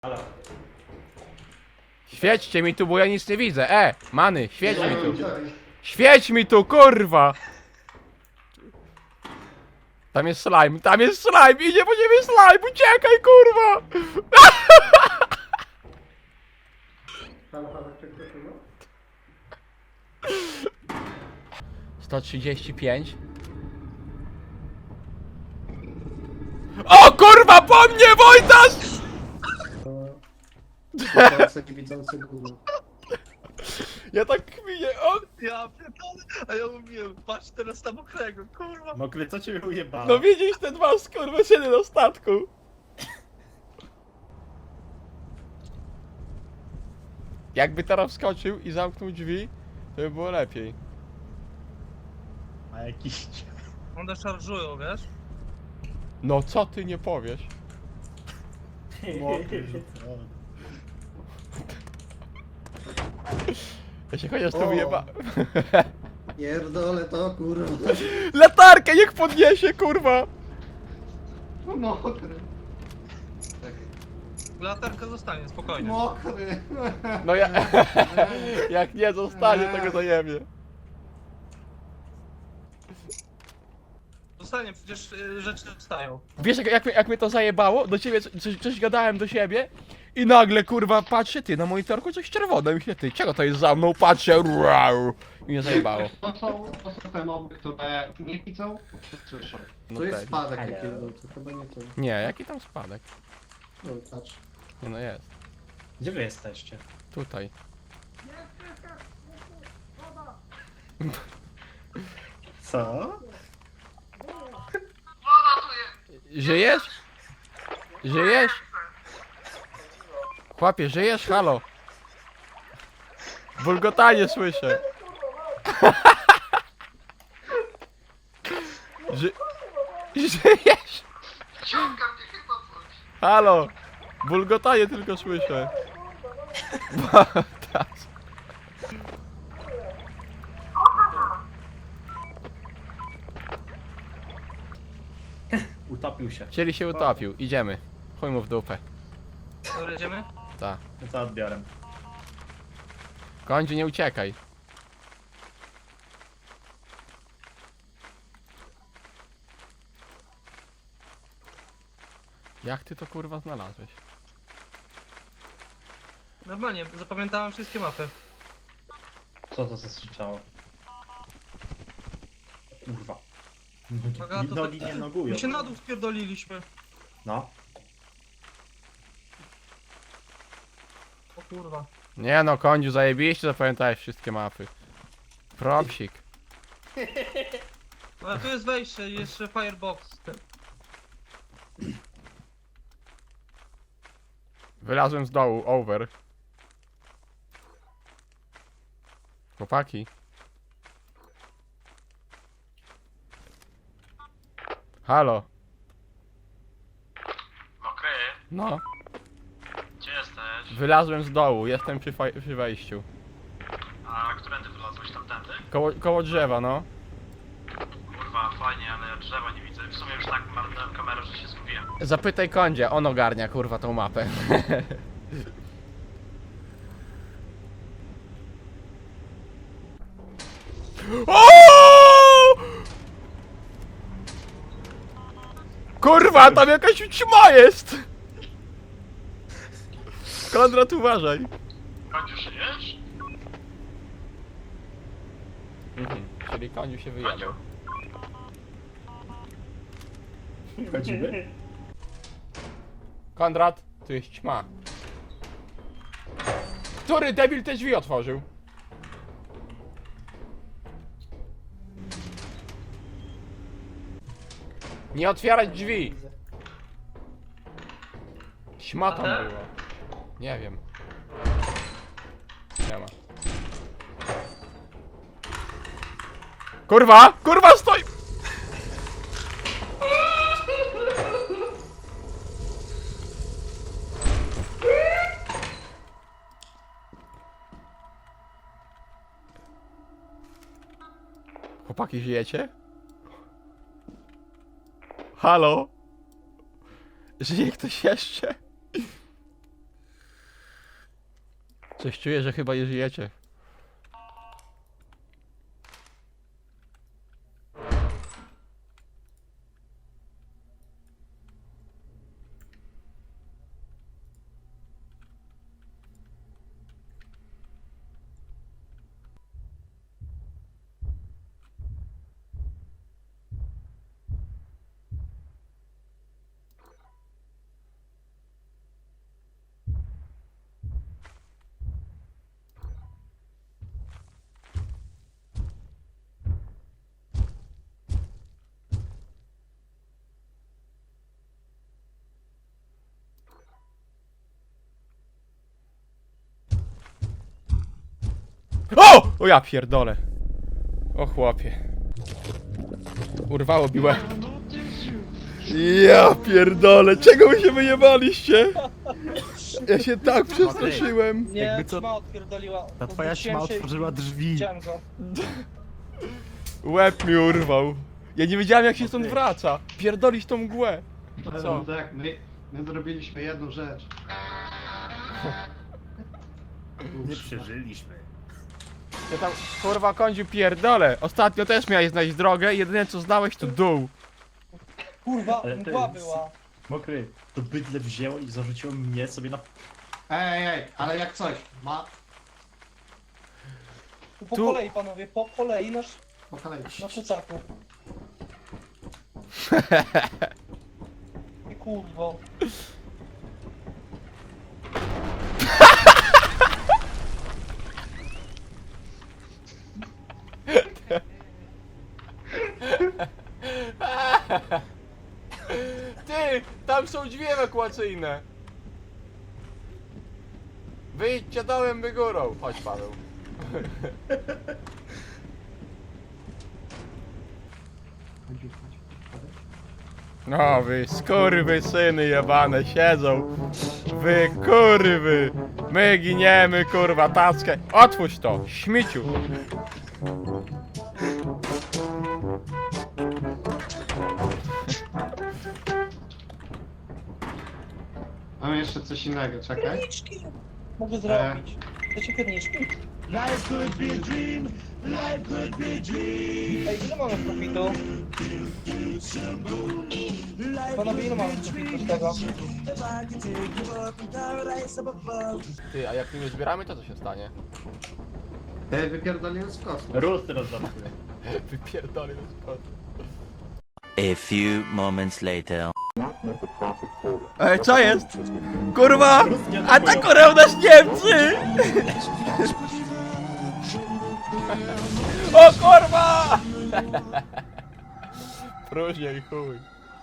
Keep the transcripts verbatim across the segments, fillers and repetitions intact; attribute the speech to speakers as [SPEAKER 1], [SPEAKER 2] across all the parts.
[SPEAKER 1] Halo.
[SPEAKER 2] Świećcie mi tu, bo ja nic nie widzę. E, many, świeć mi tu. Świeć mi tu, kurwa! Tam jest slime, tam jest slime, idzie po ciebie slime, uciekaj, kurwa! sto trzydzieści pięć. O kurwa, po mnie, Wojtas!
[SPEAKER 3] Taki widzący gówno.
[SPEAKER 2] Ja tak kminię, o...
[SPEAKER 4] Ja pierdolę, a ja mówiłem, patrz teraz na mokrego, kurwa.
[SPEAKER 1] Mokry, co cię ujebało?
[SPEAKER 2] No widzisz te dwa skurwysyny na statku. Jakby teraz wskoczył i zamknął drzwi, to by było lepiej.
[SPEAKER 1] A jakiś...
[SPEAKER 4] One szarżują, wiesz?
[SPEAKER 2] No co ty nie powiesz?
[SPEAKER 1] Mokry rzucony.
[SPEAKER 2] Ja się chociaż tu
[SPEAKER 3] O.
[SPEAKER 2] wyjeba...
[SPEAKER 3] Pierdolę to, kurwa.
[SPEAKER 2] Latarkę niech podniesie, kurwa!
[SPEAKER 3] Mokry. Czekaj.
[SPEAKER 4] Latarka zostanie, spokojnie.
[SPEAKER 3] Mokry.
[SPEAKER 2] No ja... Jak nie zostanie, to go zajebie.
[SPEAKER 4] Zostanie, przecież y, rzeczy wstają.
[SPEAKER 2] Wiesz jak, jak, mnie- jak mnie to zajebało? Do ciebie coś, coś, coś gadałem do siebie i nagle kurwa patrzę, ty na monitorku coś czerwone, myślę, ty czego to jest za mną, patrzę, rau, i mnie zajebało.
[SPEAKER 5] To są, to są te moby, które nie widzą, słyszą.
[SPEAKER 2] No
[SPEAKER 3] To jest
[SPEAKER 2] tak.
[SPEAKER 3] spadek
[SPEAKER 1] Halo.
[SPEAKER 3] taki, no to chyba nie to.
[SPEAKER 2] Nie, jaki tam spadek?
[SPEAKER 3] No patrz.
[SPEAKER 2] Nie no jest,
[SPEAKER 1] Gdzie wy jesteście?
[SPEAKER 2] tutaj.
[SPEAKER 1] Co?
[SPEAKER 2] Żyjesz? Żyjesz? Chłopie, żyjesz? Halo? Bulgotanie słyszę. Ży... Żyjesz? Halo? Bulgotanie tylko słyszę. Bogdas.
[SPEAKER 1] Utopił się.
[SPEAKER 2] Czyli się utopił, idziemy. Chuj mu w dupę.
[SPEAKER 4] Dobra, jedziemy?
[SPEAKER 2] Ta.
[SPEAKER 1] No co odbiorem?
[SPEAKER 2] Kończy, nie uciekaj. Jak ty to kurwa znalazłeś?
[SPEAKER 4] Normalnie, zapamiętałem wszystkie mapy.
[SPEAKER 1] Co to zastrzyczało? Kurwa.
[SPEAKER 4] Uwaga, to
[SPEAKER 1] Nogi
[SPEAKER 4] tak-
[SPEAKER 1] nie nogują.
[SPEAKER 4] My się na dół spierdoliliśmy.
[SPEAKER 1] No.
[SPEAKER 4] O kurwa.
[SPEAKER 2] Nie no, kądziu, zajebiście zapamiętałeś wszystkie mapy. Propsik.
[SPEAKER 4] No, ale tu jest wejście, jeszcze firebox.
[SPEAKER 2] Wylazłem z dołu, over. Chłopaki. Halo.
[SPEAKER 6] Mokry,
[SPEAKER 2] No.
[SPEAKER 6] gdzie jesteś?
[SPEAKER 2] Wylazłem z dołu, jestem przy, faj- przy wejściu.
[SPEAKER 6] A którędy wylazłeś tamtędy?
[SPEAKER 2] Koło, koło drzewa, no.
[SPEAKER 6] Kurwa, fajnie, ale ja drzewa nie widzę. W sumie już tak marnąłem kamerę, że się zgubiłem.
[SPEAKER 2] Zapytaj kądzia, on ogarnia kurwa tą mapę. O! Kurwa, tam jakaś ćma jest! Konrad, uważaj.
[SPEAKER 6] Końcu żyjesz?
[SPEAKER 2] Mhm, czyli koniu się wyjadał.
[SPEAKER 1] Chodzimy?
[SPEAKER 2] Konrad, tu jest ćma. Który debil te drzwi otworzył? Nie otwierać drzwi! Ćma tam
[SPEAKER 4] Aha.
[SPEAKER 2] była. Nie wiem. Nie ma. Kurwa! Kurwa stoi! Chłopaki, żyjecie? Halo? Żyje ktoś jeszcze? Coś czuję, że chyba nie żyjecie. O! O ja pierdolę. O chłopie. Urwało biłę. Ja pierdolę, czego wy się wyjebaliście? Ja się tak przestraszyłem.
[SPEAKER 7] Nie,
[SPEAKER 8] Jakby co-
[SPEAKER 7] ćma odpierdoliła.
[SPEAKER 8] Ta twoja
[SPEAKER 7] Odwróciłem
[SPEAKER 8] śma
[SPEAKER 7] się i
[SPEAKER 8] otworzyła drzwi.
[SPEAKER 7] Widziałem go.
[SPEAKER 2] Łeb mi urwał. Ja nie wiedziałem jak się stąd wraca. Pierdolić tą mgłę. Co?
[SPEAKER 5] No tak, my, my zrobiliśmy jedną rzecz.
[SPEAKER 8] Nie przeżyliśmy.
[SPEAKER 2] Ja tam kurwa kądziu pierdolę. Ostatnio też miałeś znaleźć drogę i jedyne co znałeś to dół.
[SPEAKER 7] Kurwa,
[SPEAKER 1] Ale to
[SPEAKER 7] mgła
[SPEAKER 1] jest-
[SPEAKER 7] była.
[SPEAKER 1] Mokry, to bydle wzięło i zarzuciło mnie sobie na...
[SPEAKER 5] Ej, ej, ale jak coś, ma
[SPEAKER 7] Po
[SPEAKER 2] Tu-
[SPEAKER 7] kolei, panowie, po kolei nasz,
[SPEAKER 5] po kolei.
[SPEAKER 7] na szucaku. I kurwo.
[SPEAKER 2] Ty, tam są drzwi ewakuacyjne. Wyjdźcie dołem by górą. Chodź Paweł. No wy skurwy syny jebane siedzą. Wy kurwy. My giniemy kurwa tackę. Otwórz to, śmieciu.
[SPEAKER 5] Mam jeszcze coś innego, czekaj.
[SPEAKER 7] Pierniczki! Mogę zrobić. Chcecie pierniczki? Ej, ile mamy profitu? Panowie, ile mamy profitu z tego?
[SPEAKER 2] Ty, a jak nie zbieramy to co się stanie?
[SPEAKER 5] Ej, wypierdoliłem z kosmos.
[SPEAKER 1] Rus teraz żartuje.
[SPEAKER 2] Wypierdolę do spodu.
[SPEAKER 9] A few moments later.
[SPEAKER 2] Ej, co jest? Kurwa! Atakują nas Niemcy! O kurwa! Próżnia i chuj.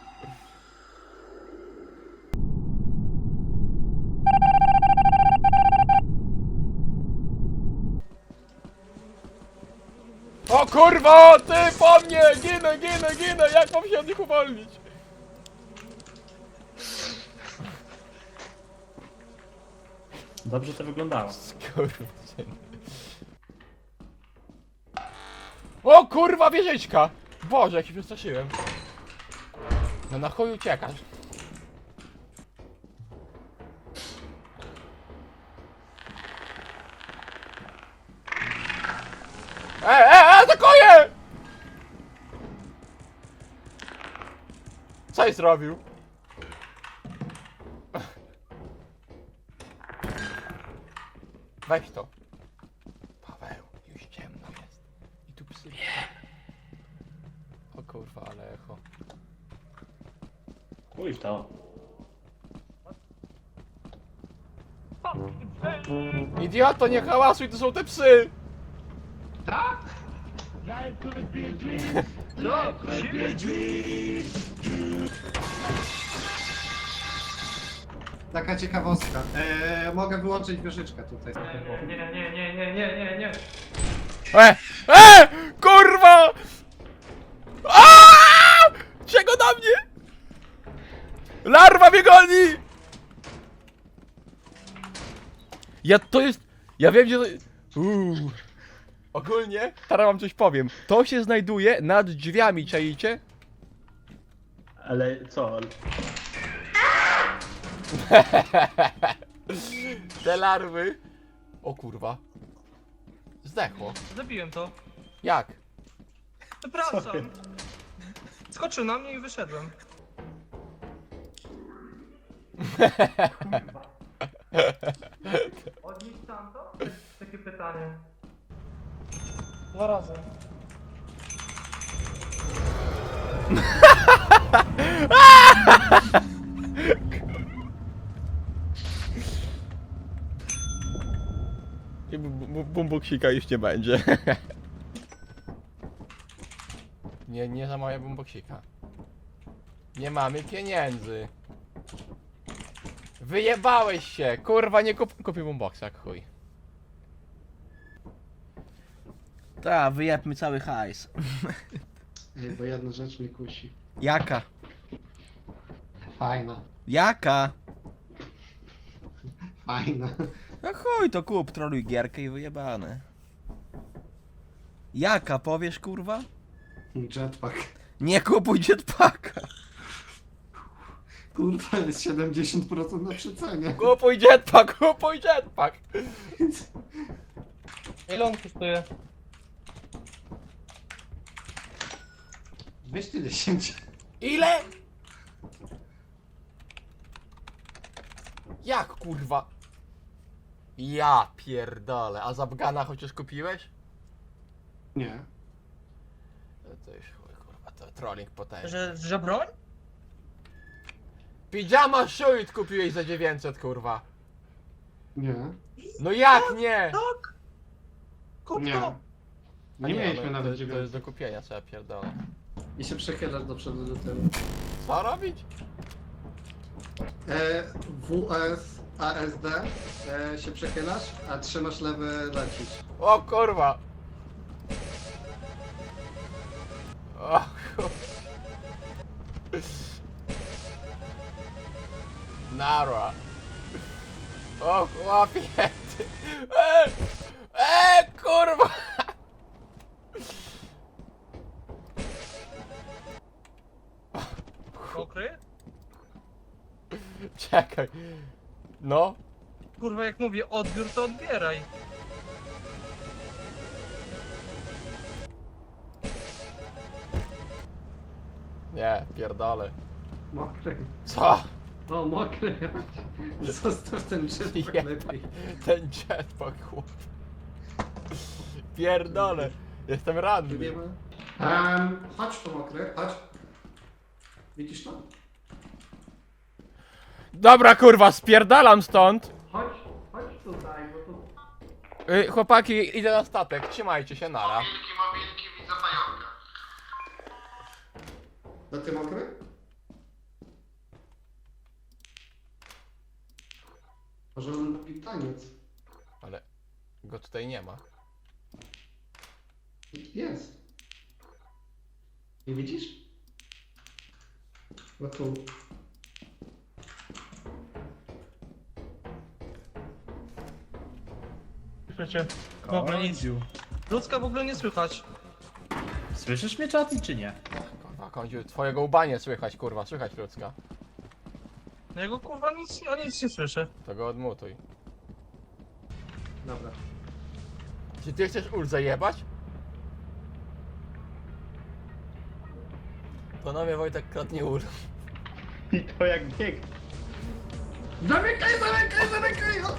[SPEAKER 2] O kurwa! Ty po mnie! Ginę, ginę, ginę! Jak mam się od nich uwolnić?
[SPEAKER 1] Dobrze to wyglądało.
[SPEAKER 2] Skurwysyn. O kurwa wieżyczka! Boże, jak się przestraszyłem. No na chuj uciekasz. E, e, e, atakuję! Coś zrobił? Weź to. Paweł, już ciemno jest. I tu psy. O kurwa, ale echo.
[SPEAKER 1] Uj w to.
[SPEAKER 2] Idioto, nie hałasuj, to są te psy!
[SPEAKER 5] Taka ciekawostka. Eee, mogę wyłączyć wieżyczkę tutaj.
[SPEAKER 6] Nie, nie, nie, nie, nie, nie, nie, nie.
[SPEAKER 2] E! E! Kurwa! Aaaa! Czego na mnie? Larwa mnie goni! Ja to jest... Ja wiem gdzie to... Uuu. Ogólnie, teraz wam coś powiem. To się znajduje nad drzwiami, czaicie?
[SPEAKER 1] Ale co?
[SPEAKER 2] Te larwy O kurwa. Zdechło.
[SPEAKER 4] Zabiłem to.
[SPEAKER 2] Jak?
[SPEAKER 4] Przepraszam. Skoczył na mnie i wyszedłem. Odnieść tamto? Takie pytanie.
[SPEAKER 7] Dwa razy.
[SPEAKER 2] I bu- bu- bumbuksika już nie będzie. Nie, nie zamawiaj bumbuksika. Nie mamy pieniędzy. Wyjebałeś się! Kurwa, nie kup... kupię boomboxa, jak chuj. Ta, wyjebmy cały hajs.
[SPEAKER 3] Ej, bo jedna rzecz mnie kusi.
[SPEAKER 2] Jaka?
[SPEAKER 3] Fajna.
[SPEAKER 2] Jaka?
[SPEAKER 3] Fajna.
[SPEAKER 2] No chuj, to kup, troluj gierkę i wyjebane. Jaka, powiesz kurwa?
[SPEAKER 3] Jetpack.
[SPEAKER 2] Nie kupuj jetpacka.
[SPEAKER 3] Kurwa, jest siedemdziesiąt procent na przecenie.
[SPEAKER 2] Kupuj jetpack, kupuj jetpack.
[SPEAKER 7] Ile on kosztuje?
[SPEAKER 3] dwieście dziesięć.
[SPEAKER 2] Ile? Jak kurwa? Ja pierdolę, a Zapgana chociaż kupiłeś?
[SPEAKER 3] Nie.
[SPEAKER 2] No to już chuj kurwa, to trolling potężny.
[SPEAKER 7] Że, że broń?
[SPEAKER 2] Pijama Shoot kupiłeś za dziewięćset kurwa.
[SPEAKER 3] Nie.
[SPEAKER 2] No jak nie?
[SPEAKER 4] Kup
[SPEAKER 3] Nie.
[SPEAKER 4] to!
[SPEAKER 2] A
[SPEAKER 3] Nie mieliśmy
[SPEAKER 2] no,
[SPEAKER 3] nawet
[SPEAKER 2] to, to jest
[SPEAKER 3] dziewiątki.
[SPEAKER 2] do kupienia, co ja pierdolę.
[SPEAKER 3] I się przechylasz do przodu do tyłu.
[SPEAKER 2] Co robić?
[SPEAKER 3] E, W S A S D e, się przechylasz, a trzymasz lewy lecisz.
[SPEAKER 2] O kurwa! O kurwa. Nara. O chłopie! Eee, eee, kurwa!
[SPEAKER 4] Mokry?
[SPEAKER 2] Czekaj. No.
[SPEAKER 4] Kurwa, jak mówię odbiór, to odbieraj.
[SPEAKER 2] Nie, pierdolę.
[SPEAKER 3] Mokry.
[SPEAKER 2] Co?
[SPEAKER 3] O, mokry. Zostaw ten jetpack
[SPEAKER 2] Ja-
[SPEAKER 3] lepiej.
[SPEAKER 2] Ten jetpack chłop. Pierdolę. Jestem ranny.
[SPEAKER 3] Wiemy. Um, chodź tu mokry, chodź. Widzisz to?
[SPEAKER 2] Dobra kurwa, spierdalam stąd.
[SPEAKER 3] Chodź, chodź tutaj, bo tu...
[SPEAKER 2] Y, chłopaki, idę na statek, trzymajcie się, nara.
[SPEAKER 6] Mobilki, mobilki, widzę pająka.
[SPEAKER 3] No ty mokry? Może on lubi taniec.
[SPEAKER 2] Ale go tutaj nie ma.
[SPEAKER 3] Jest. Nie widzisz? No tu.
[SPEAKER 4] Słyszycie? W ogóle nic. Ludzka w ogóle nie słychać.
[SPEAKER 1] Słyszysz mnie, Czaty, czy nie?
[SPEAKER 2] Kurwa, kądziu, twojego ubanie słychać, kurwa, słychać ludzka.
[SPEAKER 4] No jego kurwa nic, ja nic nie słyszę.
[SPEAKER 2] To go odmutuj.
[SPEAKER 3] Dobra.
[SPEAKER 2] Czy ty chcesz ul zajebać? Panowie, Wojtek kradnie ul.
[SPEAKER 1] I to jak bieg.
[SPEAKER 3] Zamykaj, zamykaj, zamykaj! O!